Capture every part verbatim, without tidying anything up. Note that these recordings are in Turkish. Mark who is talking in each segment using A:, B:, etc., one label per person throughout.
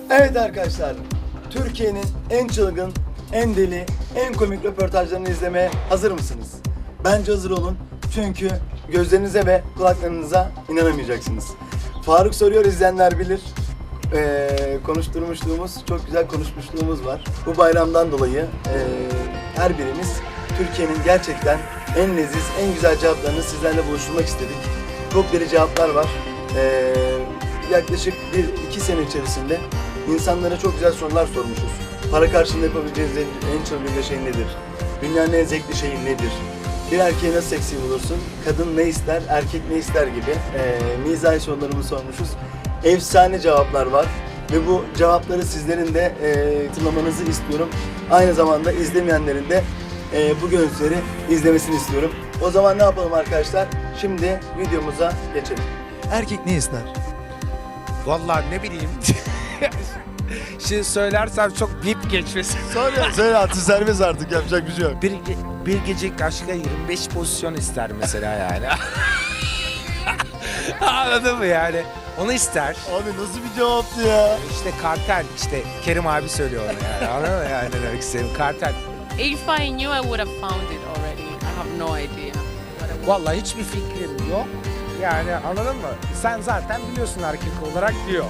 A: Evet arkadaşlar, Türkiye'nin en çılgın, en deli, en komik röportajlarını izlemeye hazır mısınız? Bence hazır olun çünkü gözlerinize ve kulaklarınıza inanamayacaksınız. Faruk Soruyor izleyenler bilir. Ee, konuşturmuşluğumuz, çok güzel konuşmuşluğumuz var. Bu bayramdan dolayı e, her birimiz Türkiye'nin gerçekten en leziz, en güzel cevaplarını sizlerle buluşturmak istedik. Çok deli cevaplar var. Ee, yaklaşık bir iki sene içerisinde insanlara çok güzel sorular sormuşuz. Para karşılığında yapabileceğiniz en çılgın şey nedir? Dünyanın en zevkli şeyi nedir? Bir erkeği nasıl seksi bulursun? Kadın ne ister, erkek ne ister gibi e, mizahi sorularımızı sormuşuz. Efsane cevaplar var ve bu cevapları sizlerin de e, hatırlamanızı istiyorum. Aynı zamanda izlemeyenlerin de e, bu görüntüleri izlemesini istiyorum. O zaman ne yapalım arkadaşlar? Şimdi videomuza geçelim. Erkek ne ister?
B: Vallahi ne bileyim. Şimdi söylersem çok bip geçmesin.
A: Söyle, söyle artık serbest artık yapacak bir şey yok.
B: Bir, bir gecelik aşka yirmi beş pozisyon ister mesela yani. Anladın mı yani? Onu ister.
A: Abi nasıl bir cevaptı ya?
B: İşte kartel, işte Kerim abi söylüyor onu yani. Anladın mı yani ne demek istediğim? Kartel.
C: If I knew, I would have found it already. I have no idea. what I would-
B: Vallahi hiçbir fikrim yok. Yani anladın mı? Sen zaten biliyorsun erkek olarak diyor.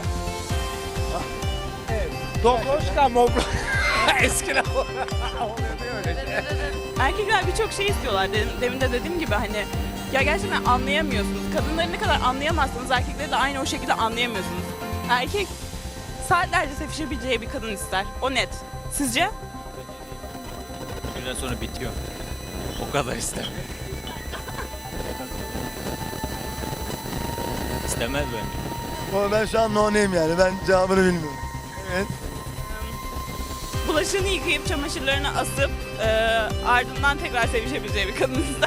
B: Evet. Dobroşka mobro. Eskiden oluyor öyle şey.
D: Erkekler birçok şey istiyorlar. Demin, demin de dediğim gibi hani ya gerçekten anlayamıyorsunuz. Kadınları ne kadar anlayamazsanız erkekleri de aynı o şekilde anlayamıyorsunuz. Erkek saatlerce sevişebileceği bir kadın ister. O net. Sizce?
E: Bir süre sonra bitiyor. O kadar ister. İstemez bence.
A: Ama ben şu an no name yani. Ben cevabını bilmiyorum. Evet.
D: Bulaşığını yıkayıp çamaşırlarını asıp e, ardından tekrar sevişebileceği bir kadın ister.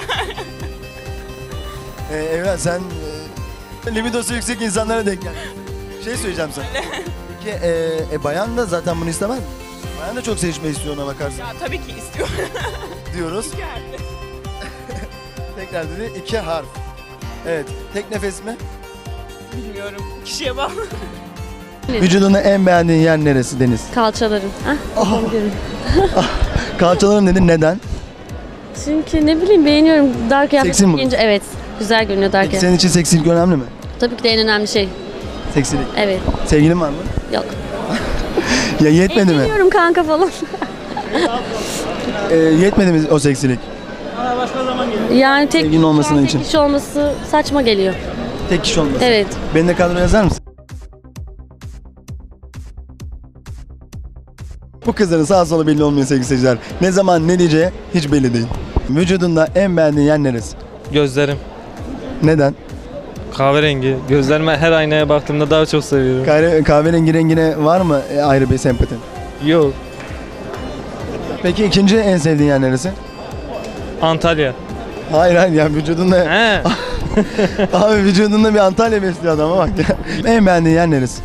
A: Ee, Evren sen e, libidosu yüksek insanlara denk geldin. Şey söyleyeceğim sana. Peki e, e, bayan da zaten bunu istemez mi? Bayan da çok sevişme istiyor ona bakarsan
D: Ya tabii ki istiyor.
A: diyoruz.
D: Yani.
A: Tekrar dedi iki harf. Evet. Tek nefes mi?
D: Bilmiyorum. Kişiye bağlı.
A: Vücudunu en beğendiğin yer neresi Deniz?
F: Kalçalarım. Ah, kafam görün.
A: Kalçalarım dedin neden?
F: Çünkü ne bileyim beğeniyorum. Dar kıyafet
A: Seksi mi
F: giyince evet. Güzel görünüyor dar
A: Peki
F: kıyafet.
A: senin için seksilik önemli mi?
F: Tabii ki de en önemli şey.
A: Seksilik.
F: Evet.
A: Sevgilin var mı?
F: Yok.
A: Ya yetmedi mi?
F: Evleniyorum kanka falan.
A: E, yetmedi mi o seksilik?
F: Yani tek,
A: Sevgilin olmasının
F: tek
A: için.
F: kişi olması saçma geliyor.
A: Tek kişi olması.
F: Evet.
A: Beni de kadroya yazar mısın? Bu kızların sağ solu belli olmuyor sevgili seyirciler. Ne zaman ne diyeceği hiç belli değil. Vücudunda en beğendiğin yer neresi?
G: Gözlerim.
A: Neden?
G: Kahverengi. Gözlerime her aynaya baktığımda daha çok seviyorum.
A: Kahve, kahverengi rengine var mı e, ayrı bir sempatin?
G: Yok.
A: Peki ikinci en sevdiğin yer neresi?
G: Antalya.
A: Hayır hayır ya vücudunda...
G: He.
A: Abi vücudunda bir Antalya besliyor adama bak ya. En beğendiğin yer neresi?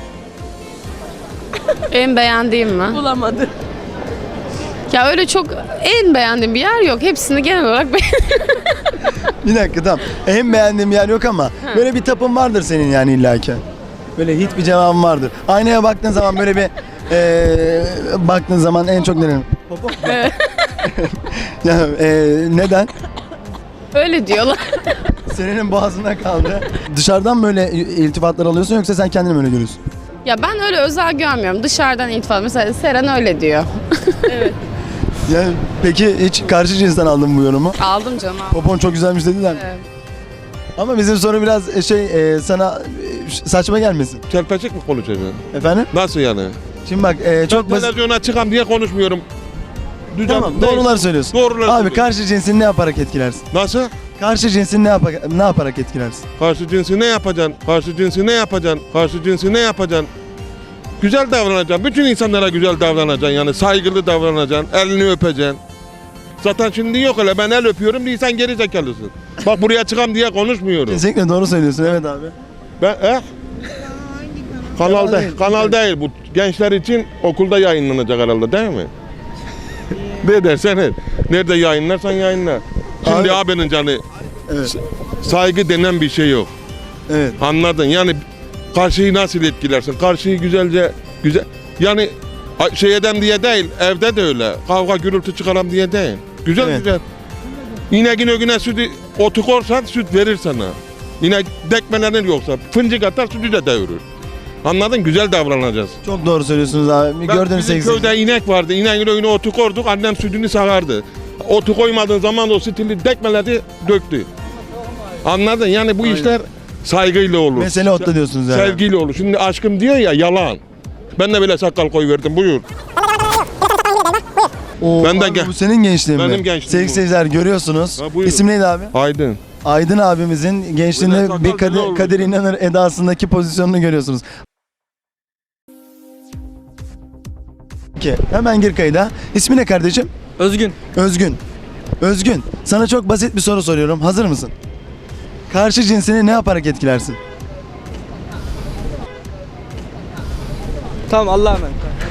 H: En beğendiğim mi?
D: Bulamadı.
H: Ya öyle çok en beğendiğim bir yer yok. Hepsini genel olarak beğendim.
A: Bir dakika tamam. En beğendiğim yer yok ama böyle bir tapın vardır senin yani illaki. Böyle hit bir cevabın vardır. Aynaya baktığın zaman böyle bir eee baktığın zaman en çok nerenin? Popo. ya eee, neden?
H: Öyle diyorlar.
A: Senin boğazında kaldı. Dışarıdan böyle iltifatlar alıyorsun yoksa sen kendini mi öyle görüyorsun?
H: Ya ben öyle özel görmüyorum. Dışarıdan iltifat. Mesela Seren öyle diyor.
A: Ya peki hiç karşı cinsten aldın mı bu yorumu?
H: Aldım canım. aldım.
A: Popon çok güzelmiş dediler mi?
H: Evet.
A: Ama bizim soru biraz e, şey e, sana e, saçma gelmesin.
I: Çelpecik mi konuşacaksın?
A: Efendim?
I: Nasıl yani?
A: Şimdi bak e, çok
I: Ben
A: basit.
I: televizyona çıkam diye konuşmuyorum. Düzen,
A: Tamam
I: değil.
A: doğrular söylüyorsun.
I: Doğrular
A: Abi
I: söylüyorum.
A: karşı cinsin ne yaparak etkilersin?
I: Nasıl?
A: Karşı cinsin ne, yapa ne yaparak etkilersin?
I: Karşı cinsi ne yapacaksın? Karşı cinsi ne yapacaksın? Karşı cinsi ne yapacaksın? Güzel davranacaksın. Bütün insanlara güzel davranacaksın. Yani saygılı davranacaksın. Elini öpeceksin. Zaten şimdi yok öyle. Ben el öpüyorum diye sen geri zekalısın. Bak buraya çıkam diye konuşmuyorum.
A: Kesinlikle doğru söylüyorsun evet abi.
I: Ben eh? Kanal
A: Kanal
I: değil.
A: değil.
I: Kanal değil bu. Gençler için okulda yayınlanacak herhalde değil mi? Ne dersen et. Nerede yayınlarsan yayınla. Şimdi
A: Abi-
I: abinin canı
A: Evet.
I: saygı denen bir şey yok.
A: Evet.
I: Anladın? Yani karşıyı nasıl etkilersin? Karşıyı güzelce Güzel. Yani a- şey edem diye değil, evde de öyle. Kavga gürültü çıkaram diye değil. Güzel
A: Evet.
I: güzel. İneğin ögüne sütü otu korsan süt verir sana. İnek dekmelerin yoksa fıncık atar sütü de devirir. Anladın? Güzel davranacağız.
A: Çok doğru söylüyorsunuz abi.
I: Ben-
A: Gördüğünüz
I: bizim
A: sevgili
I: köyde inek vardı. İneğin önüne otu koyduk. Annem sütünü sağardı. Otu koymadığın zaman da o stili dekmeleri döktü. Anladın? Yani bu işler saygıyla olur.
A: Mesele otta diyorsunuz yani.
I: Sevgiyle olur. Şimdi aşkım diyor ya yalan. Ben de böyle sakal koyuverdim. Buyur.
A: Oo,
I: Ben de
A: abi
I: gel-
A: bu senin gençliğin mi?
I: Benim gençliğim
A: Sevgili
I: bu.
A: seyirciler görüyorsunuz.
I: Ha, buyurun.
A: İsim neydi abi?
I: Aydın.
A: Aydın abimizin
I: Böyle
A: gençliğinde
I: sakal
A: bir
I: güzel
A: Kadir,
I: olur.
A: Kadir İnanır edasındaki pozisyonunu görüyorsunuz. Peki, hemen gir kayda. İsmi ne kardeşim?
G: Özgün.
A: Özgün. Özgün, sana çok basit bir soru soruyorum. Hazır mısın? Karşı cinsini ne yaparak etkilersin?
G: Tamam Allah'a emanet.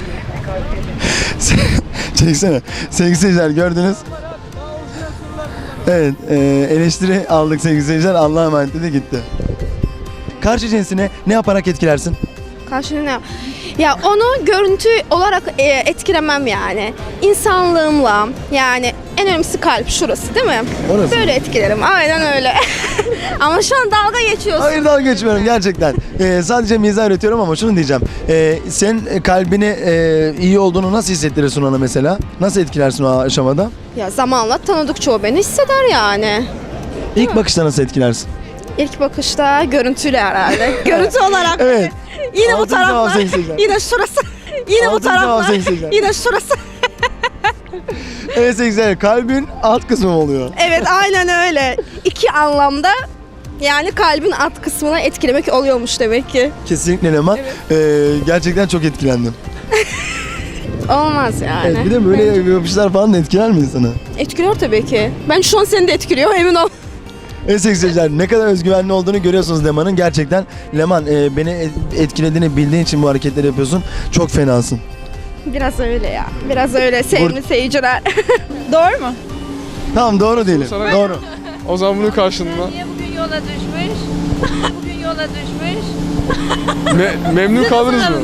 A: Çeksene. Sevgili seyirciler gördünüz. Evet, e, eleştiri aldık sevgili seyirciler. Allah'a emanet dedi gitti. Karşı cinsini ne yaparak etkilersin?
H: Karşılığında ya onu görüntü olarak e, etkilemem yani. İnsanlığımla yani en önemlisi kalp şurası değil mi?
A: Orası.
H: Böyle etkilerim. Aynen öyle. Ama şu an dalga geçiyorsun.
A: Hayır dalga geçmiyorum gerçekten. Ee, sadece mizah üretiyorum ama şunu diyeceğim. Ee, sen kalbini e, iyi olduğunu nasıl hissettirirsin ona mesela? Nasıl etkilersin o aşamada?
H: Ya zamanla tanıdıkça o beni hisseder yani.
A: İlk bakışta nasıl etkilersin?
H: İlk bakışta görüntüyle herhalde. Görüntü olarak.
A: Evet.
H: Yine bu
A: Altıncı cevap
H: taraflar.
A: sevgili seyirciler.
H: Yine şurası. Yine bu
A: Altıncı cevap
H: taraflar.
A: sevgili seyirciler.
H: Yine şurası.
A: Evet sevgili seyirciler, kalbin alt kısmı mı oluyor?
H: Evet aynen öyle. İki anlamda yani kalbin alt kısmına etkilemek oluyormuş demek ki.
A: Kesinlikle Leman. Ee, gerçekten çok etkilendim.
H: Olmaz yani.
A: Evet, bir de böyle yapışlar falan da etkiler mi insanı?
H: Etkiliyor tabii ki. Ben şu an seni de etkiliyor emin ol.
A: Evet sevgili seyirciler, ne kadar özgüvenli olduğunu görüyorsunuz Leman'ın. Gerçekten Leman e, beni et- etkilediğini bildiğin için bu hareketleri yapıyorsun. Çok fenasın.
H: Biraz öyle ya. Biraz öyle sevgili seyirciler. Doğru mu?
A: Tamam doğru değilim.
J: Sana-
A: Doğru.
J: O zaman bunun karşılığında
C: Niye bugün yola düşmüş? Bugün yola düşmüş.
J: me- memnun kaldınız mı?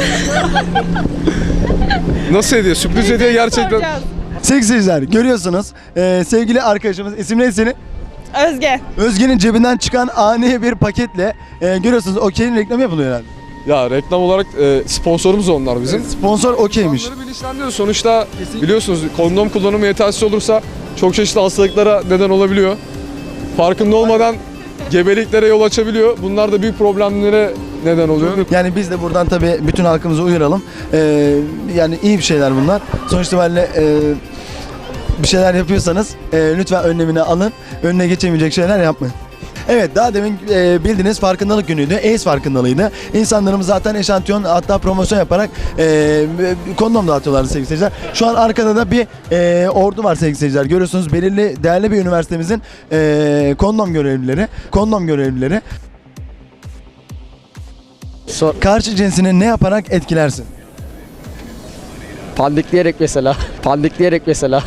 J: Nasıl hediye? Sürpriz hediye gerçekten.
A: Sevgili seyirciler görüyorsunuz. Ee, sevgili arkadaşımız, isim neydi senin?
D: Özge.
A: Özge'nin cebinden çıkan ani bir paketle e, görüyorsunuz Okey'in reklamı yapılıyor herhalde.
J: Ya reklam olarak e, sponsorumuz onlar bizim.
A: Sponsor Okey'miş.
J: İnsanları bilinçlendiriyor. Sonuçta biliyorsunuz kondom kullanımı yetersiz olursa çok çeşitli hastalıklara neden olabiliyor. Farkında olmadan gebeliklere yol açabiliyor. Bunlar da büyük problemlere neden oluyor.
A: Yani biz de buradan tabii bütün halkımızı uyaralım. Ee, yani iyi bir şeyler bunlar. Sonuç itibariyle e, bir şeyler yapıyorsanız e, lütfen önlemini alın. Önüne geçemeyecek şeyler yapmayın. Evet daha demin e, bildiğiniz farkındalık günüydü. AIDS farkındalığıydı. İnsanlarımız zaten eşantiyon hatta promosyon yaparak e, kondom dağıtıyorlardı sevgili seyirciler. Şu an arkada da bir e, ordu var sevgili seyirciler. Görüyorsunuz belirli değerli bir üniversitemizin e, kondom görevlileri. Kondom görevlileri. Karşı cinsini ne yaparak etkilersin?
G: Pandikleyerek mesela. Pandikleyerek mesela.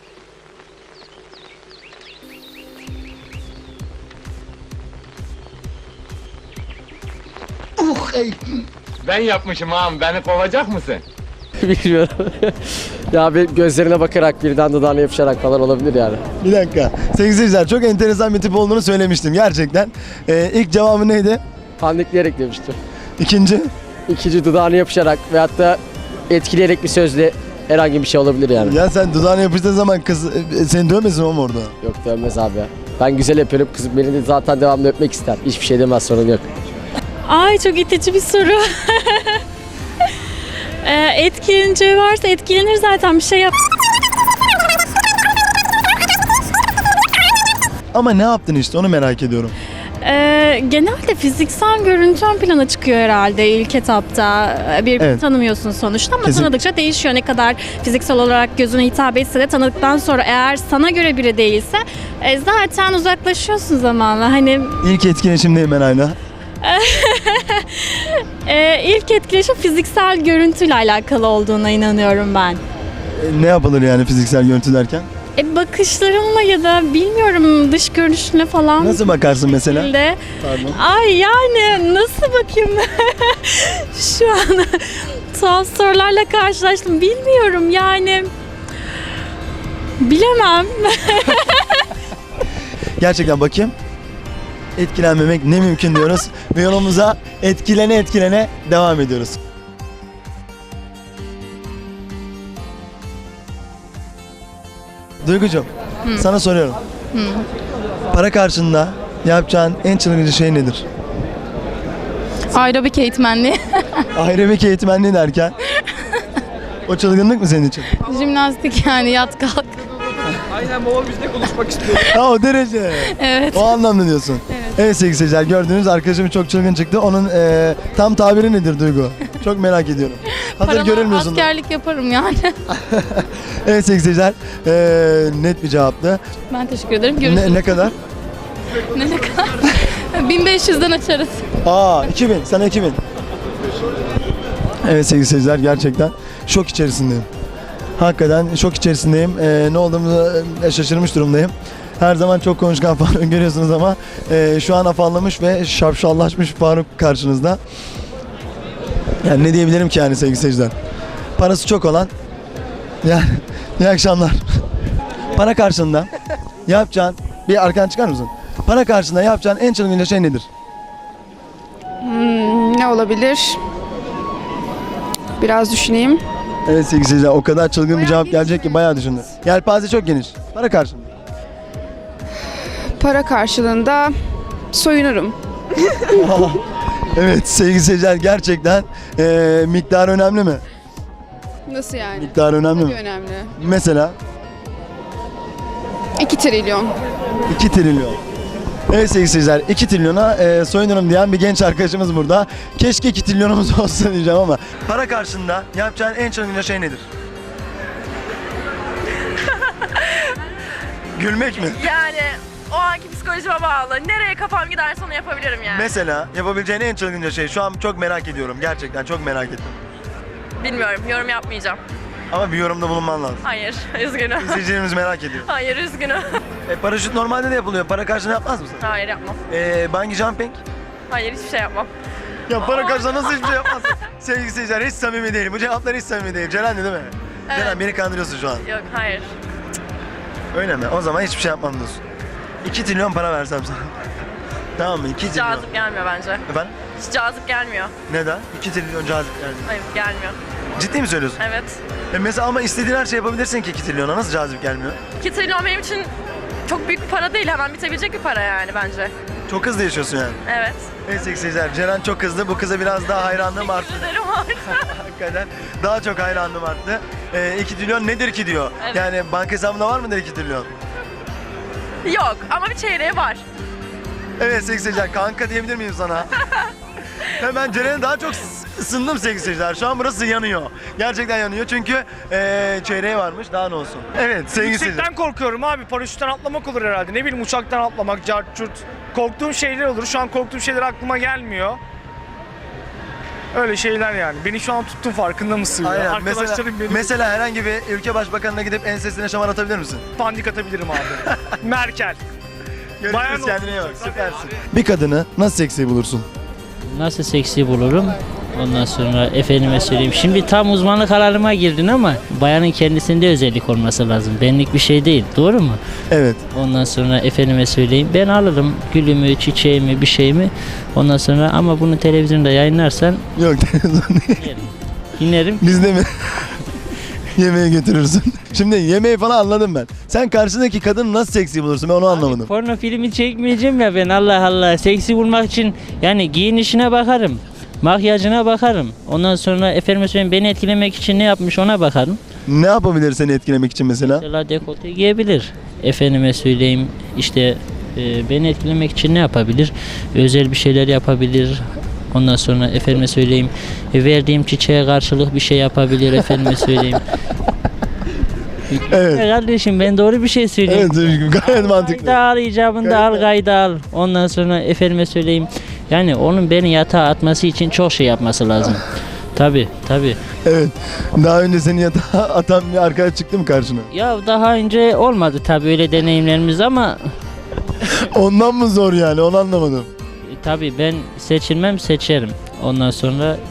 K: Ben yapmışım ağam, beni kovacak mısın?
G: Bilmiyorum. Ya bir gözlerine bakarak birden dudağına yapışarak falan olabilir yani.
A: Bir dakika. Sevgili seyirciler çok enteresan bir tip olduğunu söylemiştim gerçekten. Ee, ilk cevabı neydi?
G: Pandikleyerek demiştim.
A: İkinci?
G: İkinci dudağına yapışarak veyahut da etkileyerek bir sözle herhangi bir şey olabilir yani.
A: Ya sen dudağına yapıştığın zaman kız e, seni dövmesin oğlum orada.
G: Yok dönmez abi ya. Ben güzel yapıyorum. Kızım beni de zaten devamlı öpmek ister. Hiçbir şey demez, sorun yok.
F: Ay çok itici bir soru. ee, etkileneceği varsa etkilenir zaten bir şey yap.
A: Ama ne yaptın işte onu merak ediyorum.
F: Ee, genelde fiziksel görüntü ön plana çıkıyor herhalde ilk etapta. Birbirini
A: Evet.
F: tanımıyorsun sonuçta ama
A: Kesin.
F: tanıdıkça değişiyor. Ne kadar fiziksel olarak gözüne hitap etse de tanıdıktan sonra eğer sana göre biri değilse e, zaten uzaklaşıyorsun zamanla. Hani
A: İlk etkileşim değil ben hala.
F: e, ilk etkileşim fiziksel görüntüyle alakalı olduğuna inanıyorum ben.
A: E, ne yapılır yani fiziksel görüntü derken?
F: E, bakışlarınla ya da bilmiyorum dış görünüşüne falan.
A: Nasıl bakarsın mesela?
F: şekilde.
A: Pardon.
F: Ay yani nasıl bakayım şu an tuhaf sorularla karşılaştım. Bilmiyorum yani. Bilemem.
A: Gerçekten bakayım. Etkilenmemek ne mümkün diyoruz. Ve yolumuza etkilene etkilene devam ediyoruz. Duygucuğum, sana soruyorum. Para karşılığında yapacağın en çılgınca şey nedir?
H: Aerobik eğitmenliği.
A: Aerobik eğitmenliği derken? O çılgınlık mı senin için?
H: Jimnastik yani yat kalk.
J: Aynen baba biz de konuşmak istiyoruz.
A: Ha o derece.
H: Evet.
A: O anlamda diyorsun.
H: Evet.
A: Evet sevgili seyirciler, gördüğünüz arkadaşım çok çılgın çıktı. Onun e, tam tabiri nedir Duygu? Çok merak ediyorum. Hazır
H: Paramı
A: görülmüyorsun. da.
H: askerlik yaparım yani.
A: Evet sevgili seyirciler, e, net bir cevaptı.
H: Ben teşekkür ederim. Görüşürüz.
A: Ne, ne kadar?
H: Ne, ne kadar? bin beş yüzden açarız.
A: Aa iki bin, sana iki bin. Evet sevgili seyirciler, gerçekten şok içerisindeyim. Hakikaten şok içerisindeyim. Ee, ne olduğumu e, şaşırmış durumdayım. Her zaman çok konuşkan Faruk görüyorsunuz ama e, şu an afallamış ve şapşallaşmış Faruk karşınızda. Yani ne diyebilirim ki yani sevgili seyirciler. Parası çok olan, yani iyi akşamlar. Para karşılığında yapacağın, bir arkadan çıkar mısın? Para karşılığında yapacağın en çılgınca şey nedir?
H: Hmm, ne olabilir? Biraz düşüneyim.
A: Evet sevgili seyirciler, o kadar çılgın bir cevap gelecek ki bayağı düşündü. Yelpaze çok geniş. Para karşılığında.
H: Para karşılığında soyunurum.
A: Evet sevgili seyirciler, gerçekten eee miktar önemli mi?
H: Nasıl yani?
A: Miktar önemli mi?
H: Önemli.
A: Mesela
H: iki trilyon.
A: iki trilyon. Evet sevgili seyirciler, iki trilyona eee soyunurum diyen bir genç arkadaşımız burada. Keşke iki trilyonumuz olsa diyeceğim ama. Para karşılığında yapacağın en çılgınca şey nedir? Gülmek mi?
D: Yani o anki psikolojime bağlı. Nereye kafam giderse onu yapabilirim yani.
A: Mesela yapabileceğin en çılgınca şey. Şu an çok merak ediyorum. Gerçekten çok merak ettim.
D: Bilmiyorum, yorum yapmayacağım.
A: Ama bir yorumda bulunman lazım.
D: Hayır, üzgünüm.
A: İzleyicilerimiz merak ediyor.
D: Hayır, üzgünüm.
A: E, paraşüt normalde de yapılıyor. Para karşılığında yapmaz mısın?
D: Hayır, yapmam.
A: E, bungee jumping?
D: Hayır, hiçbir şey yapmam.
A: Ya para karşılığında nasıl hiçbir şey yapmazsın? Sevgili seyirciler, hiç samimi değil. Bu cevaplar hiç samimi değil. Ceren değil mi?
D: Evet.
A: Ceren beni kandırıyorsun şu an.
D: Yok, hayır.
A: Öyle mi? O zaman hiçbir şey yapmam diyorsun. iki trilyon para versem sana. Tamam mı? iki trilyon.
D: Cazip gelmiyor bence.
A: Efendim?
D: Hiç cazip gelmiyor.
A: Neden? iki trilyon cazip yani.
D: Hayır, gelmiyor.
A: Ciddi mi söylüyorsun?
D: Evet.
A: E mesela ama istediğin her şey yapabilirsin ki iki trilyona. Nasıl cazip gelmiyor?
D: iki trilyon benim için çok büyük bir para değil. Hemen bitebilecek bir para yani bence.
A: Çok hızlı yaşıyorsun yani.
D: Evet.
A: Evet sevgili seyirciler, Ceren çok hızlı. Bu kıza biraz daha hayranlığım arttı.
D: Teşekkür ederim artık.
A: Hakikaten daha çok hayranlığım arttı. E, iki trilyon nedir ki diyor.
D: Evet.
A: Yani banka hesabında var mıdır iki trilyon?
D: Yok ama bir çeyreği var.
A: Evet sevgili seyirciler, kanka diyebilir miyim sana? Hemen Ceren'e daha çok ısındım sevgili seyirciler. Şu an burası yanıyor. Gerçekten yanıyor çünkü eee çeyreği varmış, daha ne olsun. Evet sevgili seyirciler.
B: Yüksekten korkuyorum abi. Paraşütten atlamak olur herhalde. Ne bileyim uçaktan atlamak, cart curt. Korktuğum şeyler olur. Şu an korktuğum şeyler aklıma gelmiyor. Öyle şeyler yani. Beni şu an tuttun, farkında mısın? ya?
A: Aynen. Mesela,
B: Arkadaşlarım beni
A: mesela herhangi bir ülke başbakanına gidip ensesine şamar atabilir misin?
B: pandik atabilirim abi. Merkel. Bayan
A: Görüşürüz, kendine iyi bak,
B: olsun.
A: süpersin. Bir kadını nasıl seksi bulursun?
L: Nasıl seksi bulurum? Ondan sonra efendime söyleyeyim. Şimdi tam uzmanlık alanıma girdin ama bayanın kendisinde özellik olması lazım. Benlik bir şey değil. Doğru mu?
A: Evet.
L: Ondan sonra efendime söyleyeyim. Ben alırım gülümü, çiçeğimi, bir şeyimi. Ondan sonra ama bunu televizyonda yayınlarsan
A: Yok televizyon değil.
L: inerim. İnerim.
A: Bizde mi? Yemeğe götürürsün. Şimdi yemeği falan anladım ben. Sen karşındaki kadını nasıl seksi bulursun? Ben onu anlamadım.
L: Porno filmi çekmeyeceğim ya ben, Allah Allah. Seksi bulmak için yani giyinişine bakarım. Makyajına bakarım. Ondan sonra efendime söyleyeyim beni etkilemek için ne yapmış ona bakarım.
A: Ne yapabilir seni etkilemek için mesela?
L: Mesela dekolte giyebilir. Efendime söyleyeyim işte e, beni etkilemek için ne yapabilir? Özel bir şeyler yapabilir. Ondan sonra efendime söyleyeyim e, verdiğim çiçeğe karşılık bir şey yapabilir efendime söyleyeyim.
A: Evet.
L: Kardeşim ben doğru bir şey söyleyeyim.
A: Evet Özgür, gayet mantıklı.
L: Kayda al icabında al,
A: Gayet-
L: kayda al. Ondan sonra efendime söyleyeyim. Yani onun beni yatağa atması için çok şey yapması lazım. Tabi tabi.
A: Evet. Daha önce seni yatağa atan bir arkadaş çıktı mı karşına?
L: Ya daha önce olmadı tabi öyle deneyimlerimiz ama
A: Ondan mı zor yani? Onu anlamadım.
L: e, tabi ben seçilmem seçerim. Ondan sonra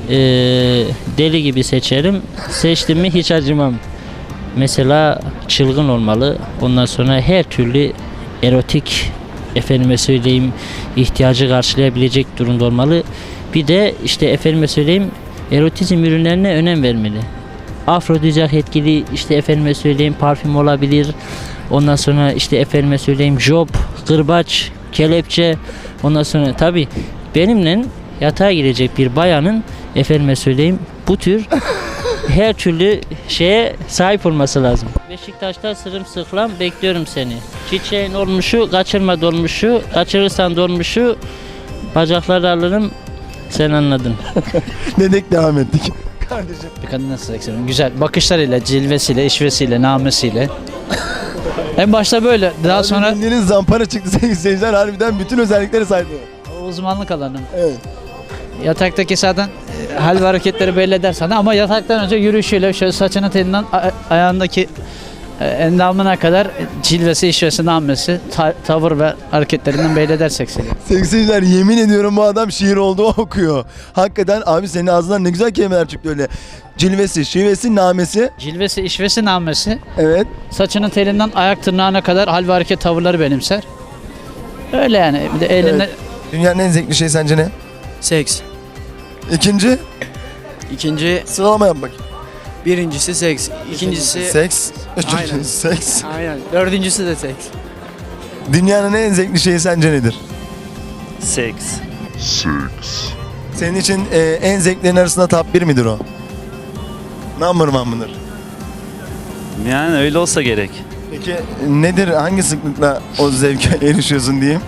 L: e, deli gibi seçerim. Seçtim mi hiç acımam. Mesela çılgın olmalı. Ondan sonra her türlü erotik, efendime söyleyeyim, ihtiyacı karşılayabilecek durumda olmalı. Bir de işte efendime söyleyeyim, erotizm ürünlerine önem vermeli. Afrodizyak etkili işte efendime söyleyeyim parfüm olabilir. Ondan sonra işte efendime söyleyeyim job, kırbaç, kelepçe. Ondan sonra tabii benimle yatağa girecek bir bayanın efendime söyleyeyim bu tür her türlü şeye sahip olması lazım. Beşiktaş'ta sırımsıklam bekliyorum seni. Çiçeğin olmuşu, kaçırma dolmuşu, kaçırırsan dolmuşu, bacakları alırım, sen anladın.
A: Dedik devam ettik. Kardeşim.
M: Bir kadın nasıl seksiyon? Güzel. Bakışlarıyla, cilvesiyle, işvesiyle, namesiyle. En başta böyle. Daha
A: Abi
M: sonra
A: bildiğiniz zampara çıktı sevgili seyirciler. Harbiden bütün özellikleri saydı.
M: o uzmanlık alanım.
A: Evet.
M: Yataktaki zaten e, hal ve hareketleri belli eder sana ama yataktan önce yürüyüşüyle şöyle saçının telinden a- ayağındaki e, endamına kadar e, cilvesi, işvesi, namesi, ta- tavır ve hareketlerinden belli eder seksili.
A: Sevgili seyirciler, yemin ediyorum bu adam şiir olduğu okuyor. Hakikaten abi senin ağzından ne güzel kelimeler çıktı öyle. Cilvesi, şivesi, namesi.
M: Cilvesi, işvesi, namesi,
A: Evet.
M: saçının telinden ayak tırnağına kadar hal ve hareket tavırları benimser. Öyle yani. Bir de elinde
A: Evet. Dünyanın en zevkli şeyi sence ne?
N: Seks.
A: İkinci,
N: İkinci,
A: sıralama yap bakayım.
N: birincisi seks. İkincisi,
A: Seks. Üçüncüsü
N: Aynen.
A: seks.
N: aynen. Dördüncüsü de seks.
A: Dünyanın en zevkli şeyi sence nedir?
E: Seks.
A: Senin için e, en zevklerin arasında top bir midir o? Number one mıdır?
E: Yani öyle olsa gerek.
A: Peki nedir, hangi sıklıkla o zevke erişiyorsun diyeyim?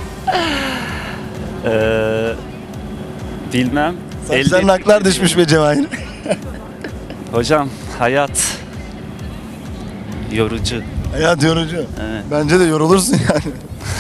E: Ee, bilmem.
A: Saçların
E: Elde-
A: aklar düşmüş be Cevahir.
E: Hocam hayat yorucu.
A: Hayat yorucu.
E: Evet.
A: Bence de yorulursun yani.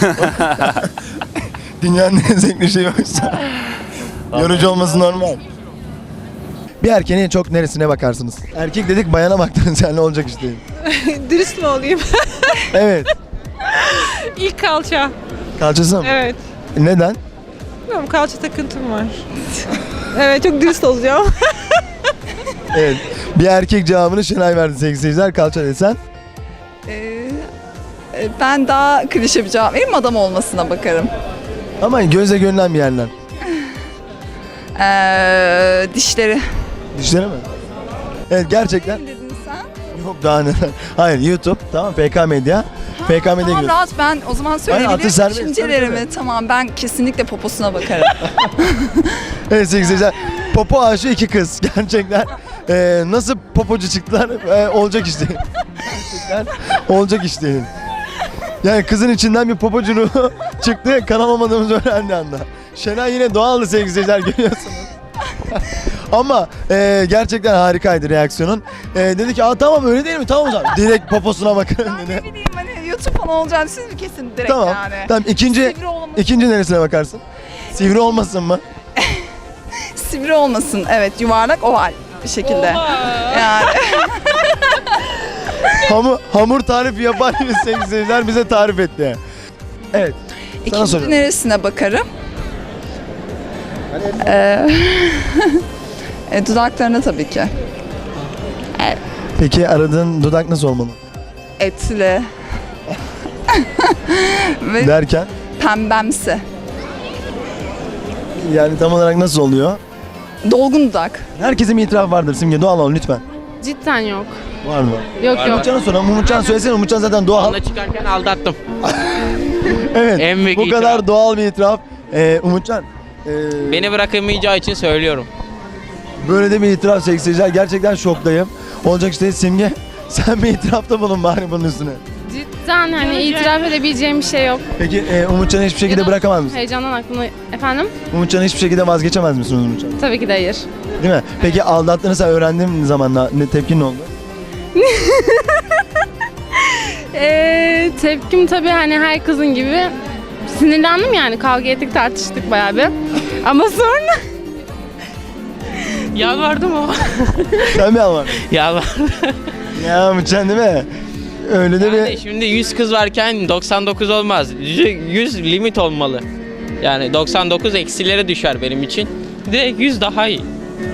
A: Dünyanın en zevkli şeyi oysa. Yorucu olması normal. Bir erkeğin en çok neresine bakarsınız? Erkek dedik, bayana baktınız yani, ne olacak işte.
D: Dürüst mü olayım?
A: Evet.
D: İlk kalça.
A: Kalçası mı?
D: Evet.
A: Neden?
D: Bilmiyorum, kalça takıntım var. Evet, çok dürüst olacağım.
A: Evet. Bir erkek cevabını Şenay verdi sevgili seyirciler. Kalça desen.
H: Ben daha klişe bir cevap vereyim, adam olmasına bakarım.
A: Ama gözle görünen bir yerden.
H: Ee, dişleri.
A: Dişleri mi? Evet, gerçekten.
H: Dedin sen?
A: Yok daha neler. Hayır, YouTube. Tamam, P K Medya. P K Medya
H: Tamam,
A: giriyorsun.
H: rahat, ben o zaman
A: atı
H: söyleyebilirim
A: serbest,
H: düşüncelerimi.
A: tabii, tabii.
H: Tamam, ben kesinlikle poposuna bakarım.
A: Evet sevgili seyirciler. Popo aşığı iki kız. Gerçekten. Ee, nasıl popocu çıktılar? Ee, olacak iş değil. Gerçekten olacak iş değil. Yani kızın içinden bir popocu ruhu çıktı. Kanal olmadığımızı öğrendi anda. Şenay yine doğaldı sevgili seyirciler, görüyorsunuz. Ama e, gerçekten harikaydı reaksiyonun. E, dedi ki, aa tamam öyle değil mi? Tamam o zaman. Direkt poposuna bakın dedi.
H: Ne bileyim, hani YouTube falan olacağını siz mi kesin direkt
A: Tamam.
H: yani?
A: Tamam, ikinci
H: Sivri olması-
A: ikinci neresine bakarsın? Sivri olmasın mı?
H: Sivri olmasın, evet, yuvarlak oval bir şekilde. Yani
A: Hamur, hamur tarifi yapan bir sevgili seyirciler bize tarif etti. Evet. Sana
H: ikinci
A: soruyorum.
H: neresine bakarım? Ee, e, dudaklarına tabii ki.
A: Peki aradığın dudak nasıl olmalı?
H: Etli. Ve
A: Derken
H: pembemsi.
A: yani tam olarak nasıl oluyor?
H: Dolgun dudak.
A: Herkesin bir itirafı vardır Simge, doğal ol lütfen.
F: Cidden yok.
A: Var mı?
F: Yok yok.
A: Umutcan'a soralım. Umutcan söylesene, Umutcan zaten doğal.
N: Onunla çıkarken aldattım.
A: Evet.
N: En büyük
A: Bu kadar
N: itiraf.
A: doğal bir itiraf. Ee, Umutcan. ee,
N: Beni bırakamayacağı için söylüyorum.
A: Böyle de bir itiraf sevgili seyirciler. Gerçekten şoktayım. Olacak işte Simge. Sen bir itirafta bulun bari bunun üstüne.
F: Cidden hani itiraf edebileceğim bir şey yok.
A: Peki e, Umutcan'ı hiçbir şekilde bırakamaz mısın?
F: Heyecandan aklıma... Efendim?
A: Umutcan'ı hiçbir şekilde vazgeçemez misiniz Umutcan?
F: Tabii ki de hayır.
A: Değil mi? Peki aldattığını sen öğrendiğin zaman ne, ne tepkin ne oldu?
F: Ee, tepkim tabii hani her kızın gibi sinirlendim, yani kavga ettik, tartıştık bayağı bir. Ama sonra
N: Yalvardım ama.
A: Sen mi almadın?
N: Yalvardım.
A: Ya Umutcan değil mi? Öyle de
N: Yani
A: bir...
N: şimdi yüz kız varken doksan dokuz olmaz. yüz limit olmalı. Yani doksan dokuz eksilere düşer benim için. Direkt yüz daha iyi.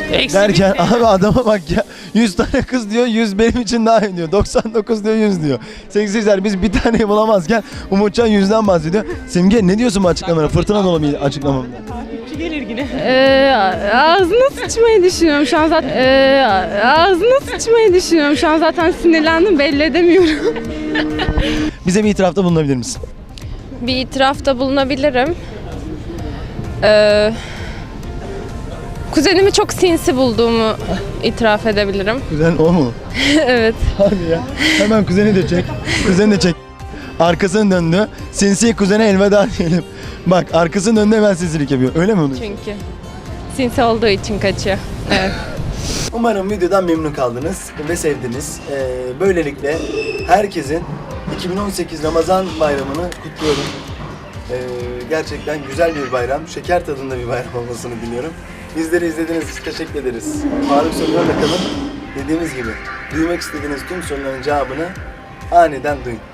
N: Eksi
A: Derken abi adama bak ya. yüz tane kız diyor, yüz benim için daha iyi diyor. doksan dokuz diyor, yüz diyor. Sevgili biz bir taneyi bulamazken Umutcan yüzden bahsediyor. Simge ne diyorsun bu açıklamana? Fırtına dolu bir açıklama.
D: Gelir yine.
O: Ee, ağzına sıçmayı düşünüyorum şu an zaten. Ee, ağzına sıçmayı düşünüyorum şu an zaten sinirlendim, belli edemiyorum.
A: Bize bir itirafta bulunabilir misin?
O: Bir itirafta bulunabilirim. Ee, kuzenimi çok sinsi bulduğumu itiraf edebilirim.
A: Kuzen o mu?
O: Evet.
A: Hadi ya. Hemen kuzeni de çek. Kuzeni de çek. Arkasını döndü. Sinsi kuzene elveda diyelim. Bak arkasını döndü hemen sinsilik yapıyor. Öyle mi oluyor?
O: Çünkü sinsi olduğu için kaçıyor. Evet.
A: Umarım videodan memnun kaldınız ve sevdiniz. Ee, böylelikle herkesin iki bin on sekiz Ramazan bayramını kutluyorum. Ee, gerçekten güzel bir bayram, şeker tadında bir bayram olmasını diliyorum. Bizleri izlediğiniz için teşekkür ederiz. Faruk sorularla kalın. Dediğimiz gibi duymak istediğiniz tüm soruların cevabını aniden duyun.